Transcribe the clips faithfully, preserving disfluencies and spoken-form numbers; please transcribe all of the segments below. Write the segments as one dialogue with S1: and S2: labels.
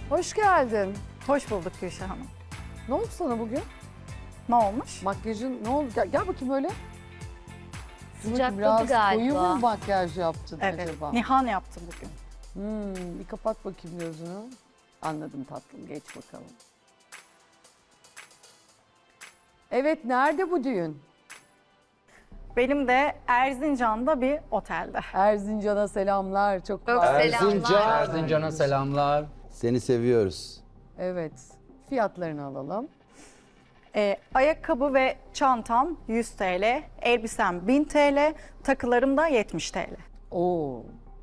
S1: Hoş geldin.
S2: Hoş bulduk Gülşah Hanım.
S1: Ne oldu sana bugün?
S2: Ne olmuş?
S1: Makyajın ne oldu? Gel, gel bakayım öyle. Dur bakayım,
S3: Sıcakladı
S1: biraz koyu
S3: galiba.
S1: mu makyaj yaptın
S2: Evet,
S1: acaba?
S2: Nihan yaptım bugün.
S1: Hmm, bir kapat bakayım gözünü. Anladım tatlım, geç bakalım. Evet, nerede bu düğün?
S2: Benim de Erzincan'da bir otelde.
S1: Erzincan'a selamlar. Çok
S3: Çok
S1: var.
S3: selamlar.
S4: Erzincan'a selamlar.
S5: Seni seviyoruz.
S1: Evet. Fiyatlarını alalım.
S2: Ee, ayakkabı ve çantam yüz T L, elbisem bin T L, takılarım da yetmiş T L.
S1: Oo.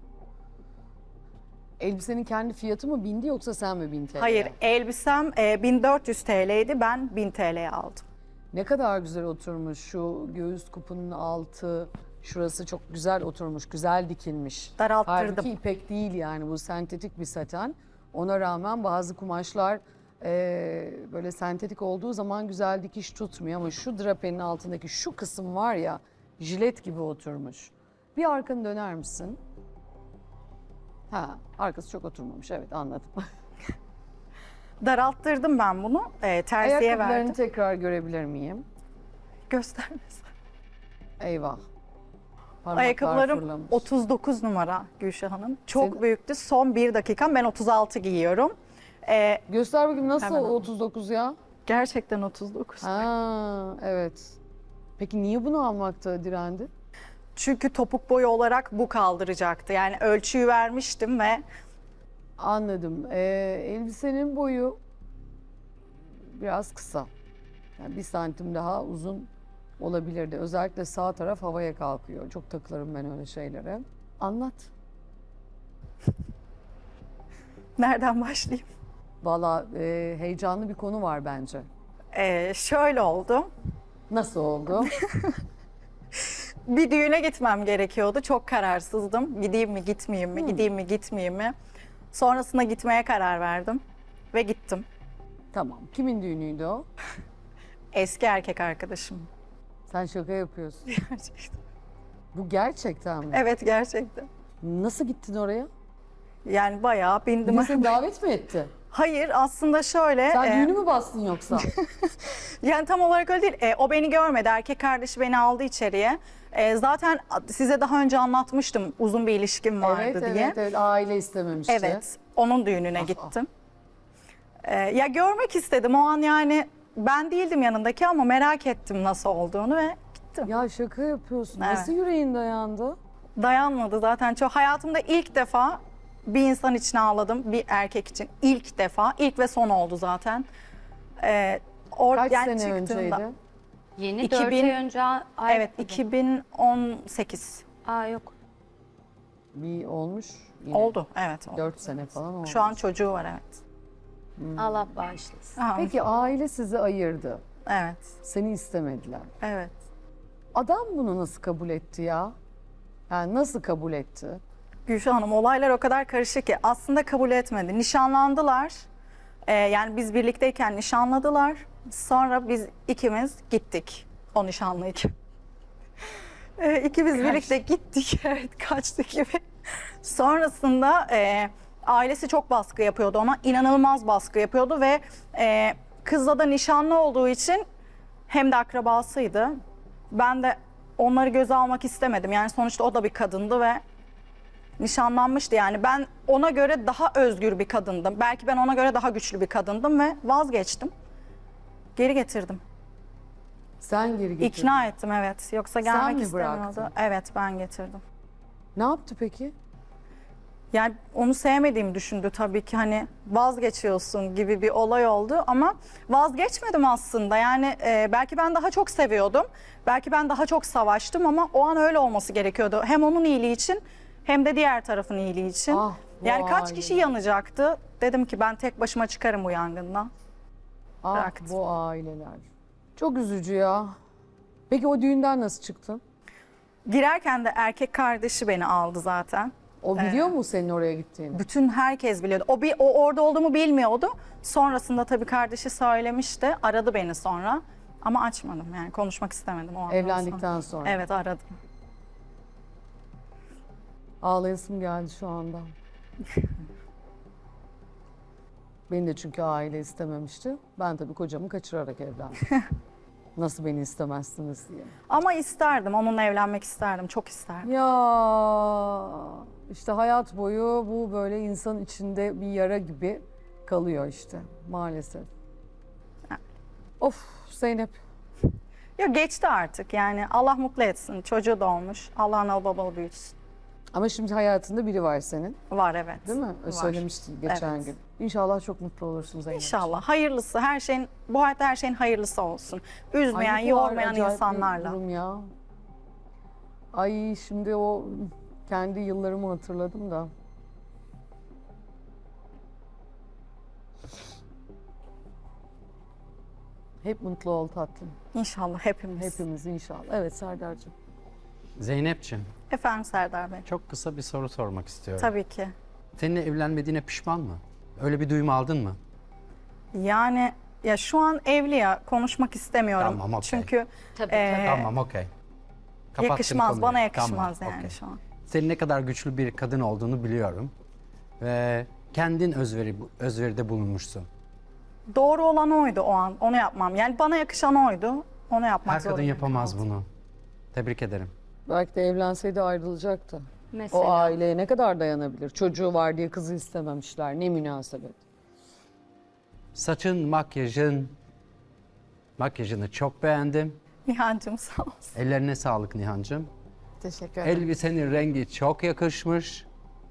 S1: Elbisenin kendi fiyatı mı bindi yoksa sen mi bin T L?
S2: Hayır, elbisem e, bin dört yüz T L'ydi, ben bin T L'ye aldım.
S1: Ne kadar güzel oturmuş şu göğüs kupunun altı. Şurası çok güzel oturmuş, güzel dikilmiş.
S2: Daralttırdım.
S1: Halbuki ipek değil yani, bu sentetik bir saten. Ona rağmen bazı kumaşlar eee, böyle sentetik olduğu zaman güzel dikiş tutmuyor. Ama şu drapenin altındaki şu kısım var ya, jilet gibi oturmuş. Bir arkanı döner misin? Ha, arkası çok oturmamış, evet anladım.
S2: Daralttırdım ben bunu, e, terziye
S1: Ayakkabılarını
S2: verdim.
S1: tekrar görebilir miyim?
S2: Göstermez.
S1: Eyvah. Parmaklar
S2: Ayakkabılarım
S1: fırlamış.
S2: otuz dokuz numara Gülşah Hanım. Çok
S1: Senin-
S2: büyüktü. Son bir dakikam. Ben otuz altı giyiyorum. Ee,
S1: Göster bakayım nasıl
S2: Hemen alayım.
S1: otuz dokuz ya?
S2: gerçekten otuz dokuz.
S1: Ha, evet. Peki niye bunu almakta direndi?
S2: Çünkü topuk boyu olarak bu kaldıracaktı. Yani ölçüyü vermiştim ve
S1: Anladım. Ee, elbisenin boyu biraz kısa. Yani bir santim daha uzun olabilirdi. Özellikle sağ taraf havaya kalkıyor. Çok takılırım ben öyle şeylere. Anlat.
S2: nereden başlayayım?
S1: Valla e, heyecanlı bir konu var bence.
S2: Ee, şöyle oldu.
S1: Nasıl oldu?
S2: Bir düğüne gitmem gerekiyordu. Çok kararsızdım. Gideyim mi, gitmeyeyim mi, gideyim mi, gitmeyeyim mi? Sonrasında gitmeye karar verdim ve gittim.
S1: Tamam. Kimin düğünüydü o?
S2: Eski erkek arkadaşım.
S1: Sen şaka yapıyorsun.
S2: Gerçekten.
S1: Bu gerçekten mi?
S2: Evet, gerçekten.
S1: Nasıl gittin oraya?
S2: Yani bayağı
S1: Bir
S2: bindim.
S1: de seni davet mi etti?
S2: Hayır, aslında şöyle.
S1: Sen
S2: e,
S1: düğünü mü bastın yoksa?
S2: Yani tam olarak öyle değil. E, o beni görmedi. Erkek kardeşi beni aldı içeriye. E, zaten size daha önce anlatmıştım uzun bir ilişkim vardı
S1: evet,
S2: diye.
S1: evet, evet. Aile istememişti.
S2: Evet, onun düğününe
S1: Ah,
S2: gittim. E, ya görmek istedim o an, yani ben değildim yanındaki ama merak ettim nasıl olduğunu ve gittim.
S1: Ya şaka yapıyorsun.
S2: Evet.
S1: Nasıl yüreğin dayandı?
S2: Dayanmadı zaten. Çok hayatımda ilk defa bir insan için ağladım, bir erkek için. İlk defa, ilk ve son oldu zaten. E, or-
S1: Kaç
S2: yani
S1: sene
S2: çıktığımda-
S1: önceydi?
S3: Yeni
S2: iki
S3: dört
S2: bin
S3: ay önce ay
S2: Evet, iki bin on sekiz
S3: Aa yok.
S1: Bir olmuş. Yine
S2: oldu. Evet, oldu.
S1: Dört sene falan oldu.
S2: Şu an çocuğu var, evet.
S3: Allah bağışlasın.
S2: Aha,
S1: Peki aile sizi ayırdı.
S2: Evet,
S1: Seni istemediler.
S2: evet.
S1: Adam bunu nasıl kabul etti ya? Yani nasıl kabul etti?
S2: Gülşah Hanım, olaylar o kadar karışık ki aslında kabul etmedi. Nişanlandılar. Ee, yani biz birlikteyken nişanladılar. Sonra biz ikimiz gittik o nişanlıyken. Ee, ikimiz birlikte gittik. Evet, kaçtık gibi. Sonrasında e, ailesi çok baskı yapıyordu ona. İnanılmaz baskı yapıyordu ve e, kızla da nişanlı olduğu için hem de akrabasıydı. Ben de onları göze almak istemedim. Yani sonuçta o da bir kadındı ve nişanlanmıştı. Yani ben ona göre daha özgür bir kadındım. Belki ben ona göre daha güçlü bir kadındım ve vazgeçtim. Geri getirdim.
S1: Sen geri getirdin.
S2: İkna ettim, evet. Yoksa
S1: Sen
S2: gelmek
S1: mi
S2: istemiyordu.
S1: bıraktın?
S2: Evet, ben getirdim.
S1: Ne yaptı peki?
S2: Yani onu sevmediğimi düşündü tabii ki, hani vazgeçiyorsun gibi bir olay oldu ama vazgeçmedim aslında. Yani e, belki ben daha çok seviyordum. Belki ben daha çok savaştım ama o an öyle olması gerekiyordu. Hem onun iyiliği için hem de diğer tarafın iyiliği için.
S1: Ah, bu
S2: yani kaç kişi
S1: aileler.
S2: yanacaktı? Dedim ki ben tek başıma çıkarım bu yangından.
S1: Ah
S2: Bıraktım.
S1: bu aileler. Çok üzücü ya. Peki o düğünden nasıl çıktın?
S2: Girerken de erkek kardeşi beni aldı zaten.
S1: O biliyor mu senin oraya gittiğini?
S2: Bütün herkes biliyordu. O bir o orada olduğumu bilmiyordu. Sonrasında tabii kardeşi söylemişti. Aradı beni sonra. Ama açmadım, yani konuşmak istemedim o andan
S1: Evlendikten sonra.
S2: Evet, aradım.
S1: Ağlayasım geldi şu anda. Beni de çünkü aile istememişti. Ben tabii kocamı kaçırarak evlendim. Nasıl beni istemezsiniz diye.
S2: Ama isterdim, onunla evlenmek isterdim, çok isterdim.
S1: Ya işte hayat boyu bu böyle insan içinde bir yara gibi kalıyor işte maalesef. Of Zeynep.
S2: Yok geçti artık yani Allah mutlu etsin, çocuğu da olmuş, Allah analı babalı büyütsün.
S1: Ama şimdi hayatında biri var senin,
S2: Var evet.
S1: değil mi?
S2: Var.
S1: Söylemiştin geçen
S2: Evet.
S1: gün. İnşallah çok mutlu olursun Zeynep.
S2: İnşallah hayırlısı, her şeyin, bu hayatta her şeyin hayırlısı olsun. Üzmeyen,
S1: Ay, ne kadar
S2: yormayan
S1: acayip bir
S2: insanlarla.
S1: durum ya. Ay şimdi o kendi yıllarımı hatırladım da. Hep mutlu ol tatlım.
S2: İnşallah hepimiz.
S1: Hepimiz inşallah. Evet Serdar'cığım.
S4: Zeynep'ciğim,
S2: Efendim Serdar Bey.
S4: çok kısa bir soru sormak istiyorum.
S2: Tabii ki.
S4: Seninle evlenmediğine pişman mı? Öyle bir duyum aldın mı?
S2: Yani ya şu an evli ya, konuşmak istemiyorum.
S4: Tamam, okey.
S2: Çünkü
S3: Tabii,
S2: Ee,
S4: Tamam, okey. Kapattım
S2: yakışmaz,
S4: konuyu.
S2: bana yakışmaz
S4: Tamam,
S2: yani
S4: okey.
S2: şu an.
S4: Senin ne kadar güçlü bir kadın olduğunu biliyorum. Ve kendin özveri, özveride bulunmuşsun.
S2: Doğru olan oydu o an, onu yapmam. Yani bana yakışan oydu, onu yapmak
S4: Her kadın
S2: zorundayım.
S4: yapamaz bunu. Tebrik ederim.
S1: Belki de evlenseydi ayrılacaktı.
S3: Mesela.
S1: O aileye ne kadar dayanabilir? Çocuğu var diye kızı istememişler. Ne münasebet.
S4: Saçın, makyajın, makyajını çok beğendim.
S2: Nihan'cığım sağ olsun.
S4: Ellerine sağlık Nihan'cığım.
S2: Teşekkür ederim.
S4: Elbisenin rengi çok yakışmış.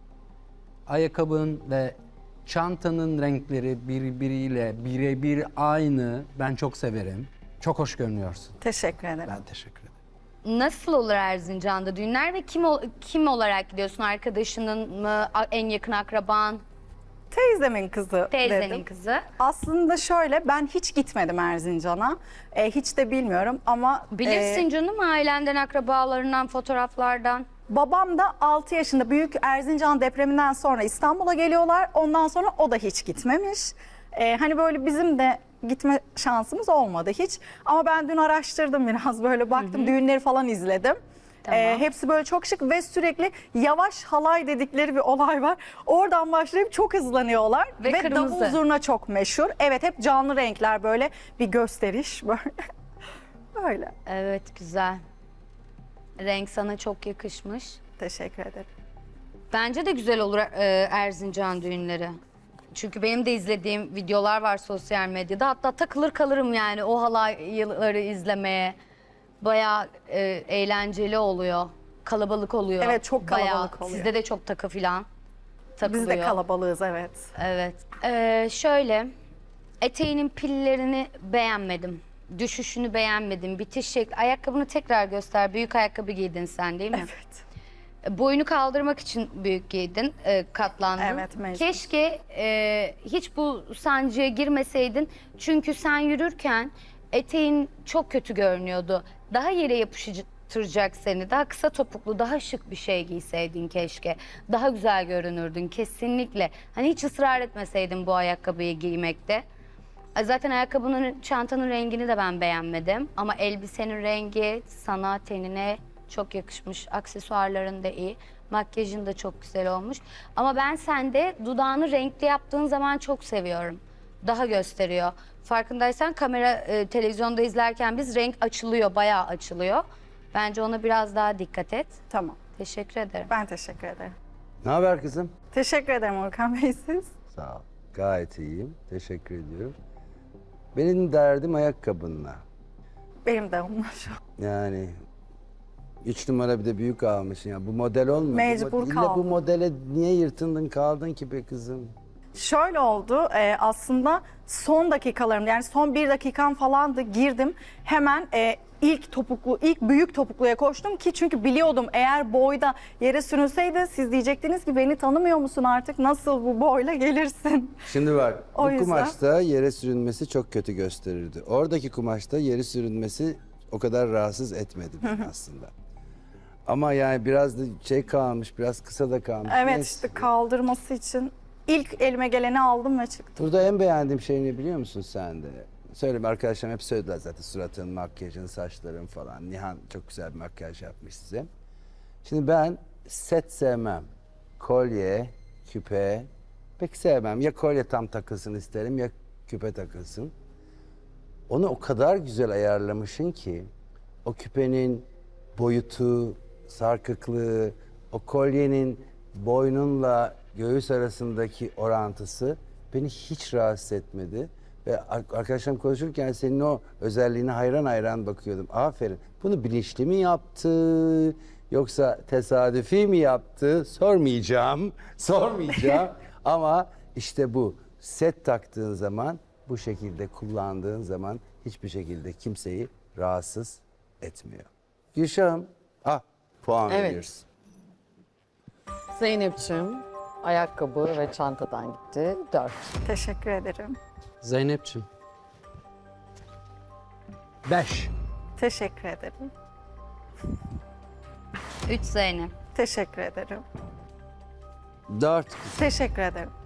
S4: Ayakkabın ve çantanın renkleri birbiriyle birebir aynı. Ben çok severim. Çok hoş görünüyorsun.
S2: Teşekkür ederim.
S4: Ben teşekkür ederim.
S3: Nasıl olur Erzincan'da düğünler ve kim ol- kim olarak gidiyorsun? Arkadaşının mı, a- en yakın akraban,
S2: Teyzemin kızı
S3: teyzenin
S2: dedim.
S3: kızı?
S2: Aslında şöyle, ben hiç gitmedim Erzincan'a. E, hiç de bilmiyorum ama...
S3: Bilirsin
S2: e,
S3: canım, ailenden, akrabalarından, fotoğraflardan.
S2: babam da altı yaşında, büyük Erzincan depreminden sonra İstanbul'a geliyorlar. Ondan sonra o da hiç gitmemiş. E, hani böyle bizim de gitme şansımız olmadı hiç. Ama ben dün araştırdım biraz, böyle baktım, düğünleri falan izledim.
S3: Tamam.
S2: E, hepsi böyle çok şık ve sürekli yavaş halay dedikleri bir olay var. Oradan başlayıp çok hızlanıyorlar.
S3: Ve
S2: Ve,
S3: kırmızı.
S2: davul zurna çok meşhur. Evet, hep canlı renkler, böyle bir gösteriş böyle. Böyle.
S3: Evet, güzel. Renk sana çok yakışmış.
S2: Teşekkür ederim.
S3: Bence de güzel olur e, Erzincan düğünleri. Çünkü benim de izlediğim videolar var sosyal medyada. Hatta takılır kalırım yani o halayları izlemeye. Bayağı e, eğlenceli oluyor. Kalabalık oluyor.
S2: Evet, çok kalabalık
S3: Bayağı.
S2: oluyor.
S3: Sizde de çok takı filan takılıyor.
S2: Biz de kalabalığız, evet.
S3: Evet. Ee, şöyle, eteğinin pillerini beğenmedim. Düşüşünü beğenmedim. Bitiş şekli. Ayakkabını tekrar göster. Büyük ayakkabı giydin sen değil mi?
S2: Evet.
S3: Boyunu kaldırmak için büyük giydin, e, katlandın.
S2: Evet, mecbur.
S3: Keşke e, hiç bu sancıya girmeseydin. Çünkü sen yürürken eteğin çok kötü görünüyordu. Daha yere yapıştıracak seni. Daha kısa topuklu, daha şık bir şey giyseydin keşke. Daha güzel görünürdün kesinlikle. Hani hiç ısrar etmeseydin bu ayakkabıyı giymekte. Zaten ayakkabının, çantanın rengini de ben beğenmedim. Ama elbisenin rengi sana, tenine çok yakışmış. Aksesuarların da iyi. Makyajın da çok güzel olmuş. Ama ben sende dudağını renkli yaptığın zaman çok seviyorum. Daha gösteriyor. Farkındaysan kamera, e, televizyonda izlerken biz renk açılıyor, bayağı açılıyor. Bence ona biraz daha dikkat et.
S2: Tamam.
S3: Teşekkür ederim.
S2: Ben teşekkür ederim.
S5: Ne haber kızım?
S2: Teşekkür ederim Orkan Bey, siz.
S5: Sağ ol. Gayet iyiyim. Teşekkür ediyorum. Benim derdim ayakkabınla.
S2: Benim de onlar şu an.
S5: Yani üç numara bir de büyük almışsın ya. Bu model olmuyor.
S2: Mecbur
S5: bu, mod- illa
S2: kaldım.
S5: bu modele niye yırtındın kaldın ki be kızım?
S2: Şöyle oldu, e, aslında son dakikalarım, yani son bir dakikam falandı, girdim. Hemen e, ilk topuklu, ilk büyük topukluya koştum ki çünkü biliyordum eğer boyda yere sürünseydi siz diyecektiniz ki beni tanımıyor musun artık, nasıl bu boyla gelirsin?
S5: Şimdi bak
S2: O
S5: bu
S2: yüzden-
S5: kumaşta yere sürünmesi çok kötü gösterirdi. Oradaki kumaşta yere sürünmesi o kadar rahatsız etmedi beni aslında. Ama yani biraz da şey kalmış, biraz kısa da kalmış.
S2: Evet,
S5: Neyse.
S2: işte kaldırması için ilk elime geleni aldım ve çıktım.
S5: Burada en beğendiğim şey ne biliyor musun sen de? Söyleyeyim, arkadaşlarım hep söylediler zaten, suratın, makyajın, saçların falan. Nihan çok güzel bir makyaj yapmış size. Şimdi ben set sevmem. Kolye, küpe, pek sevmem. Ya kolye tam takılsın isterim ya küpe takılsın. Onu o kadar güzel ayarlamışsın ki o küpenin boyutu, sarkıklığı, o kolyenin boynunla göğüs arasındaki orantısı beni hiç rahatsız etmedi. Ve ar- arkadaşlarım konuşurken senin o özelliğine hayran hayran bakıyordum. Aferin. Bunu bilinçli mi yaptı yoksa tesadüfi mi yaptı sormayacağım. Sormayacağım. Ama işte bu set taktığın zaman, bu şekilde kullandığın zaman hiçbir şekilde kimseyi rahatsız etmiyor. Gülşah'ım, ah puan
S1: Evet.
S5: veriyoruz.
S1: Zeynep'ciğim ayakkabı ve çantadan gitti. Dört.
S2: Teşekkür ederim.
S4: Zeynep'ciğim. Beş.
S2: Teşekkür ederim.
S3: Üç Zeynep.
S2: Teşekkür ederim.
S5: Dört.
S2: Teşekkür ederim.